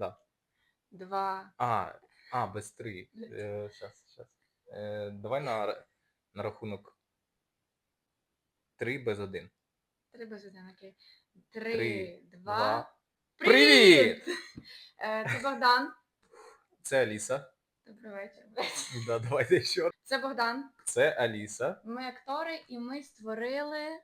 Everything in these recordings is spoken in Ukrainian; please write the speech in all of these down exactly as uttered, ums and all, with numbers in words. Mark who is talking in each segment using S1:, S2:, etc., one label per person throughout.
S1: Да.
S2: Два.
S1: А, а, без три. Е, щас, щас. Е, давай на, р- на рахунок три без один.
S2: Три без один, окей.
S1: Три,
S2: Три, два.
S1: два.
S2: Привіт!
S1: Привіт!
S2: Е, Це Богдан.
S1: Це Аліса.
S2: Добрий вечір.
S1: Да, давайте ще раз.
S2: Це Богдан.
S1: Це Аліса.
S2: Ми актори і ми створили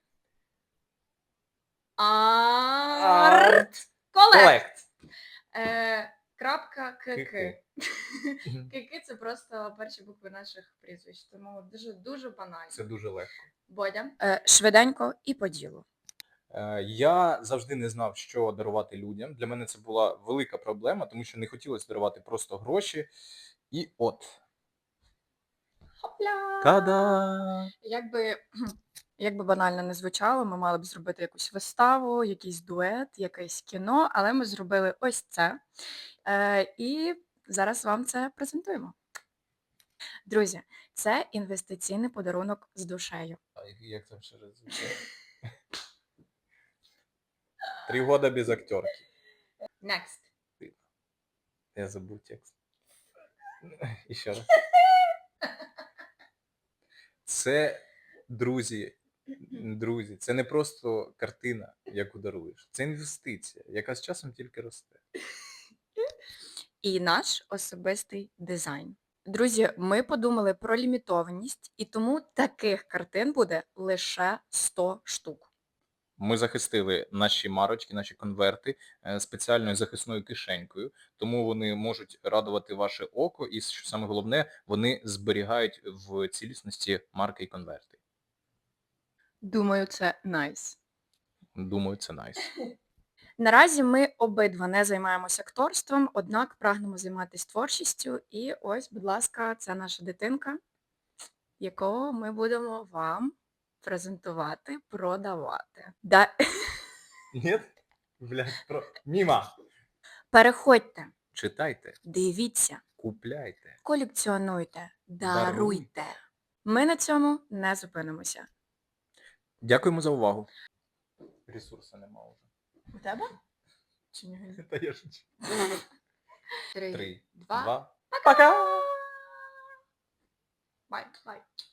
S2: Арт Колект. Е, Крапка КК.
S1: Ки-ки.
S2: Кики це просто перші букви наших прізвищ, тому дуже дуже банально.
S1: Це дуже легко.
S2: Бодя.
S3: Е, Швиденько і по ділу.
S1: Е, Я завжди не знав, що дарувати людям. Для мене це була велика проблема, тому що не хотілося дарувати просто гроші. І от.
S2: Хопля!
S1: Та-да!
S3: Якби, якби банально не звучало, ми мали б зробити якусь виставу, якийсь дует, якесь кіно, але ми зробили ось це. Е, і зараз вам це презентуємо. Друзі, це інвестиційний подарунок з душею.
S1: А як там ще раз звучало? Три года без актерки.
S2: Next.
S1: Я забув текст. І ще раз. Це, друзі, друзі, це не просто картина, яку даруєш. Це інвестиція, яка з часом тільки росте.
S3: І наш особистий дизайн. Друзі, ми подумали про лімітованість, і тому таких картин буде лише сто штук.
S1: Ми захистили наші марочки, наші конверти е, спеціальною захисною кишенькою, тому вони можуть радувати ваше око і, що саме головне, вони зберігають в цілісності марки і конверти.
S3: Думаю, це найс.
S1: Думаю, це найс.
S3: Наразі ми обидва не займаємося акторством, однак прагнемо займатися творчістю. І ось, будь ласка, це наша дитинка, яку ми будемо вам презентувати, продавати. Да...
S1: Ні? Блядь, про... Міма!
S3: Переходьте,
S1: Читайте,
S3: дивіться,
S1: купляйте.
S3: колекціонуйте,
S1: Даруйте.
S3: даруйте. Ми на цьому не зупинимося.
S1: Дякуємо за увагу. Ресурсу нема вже.
S3: У тебе? Чи ні?
S1: Та я шучу.
S2: Три,
S1: Три,
S2: два.
S1: два.
S2: Пока! Бай, бай.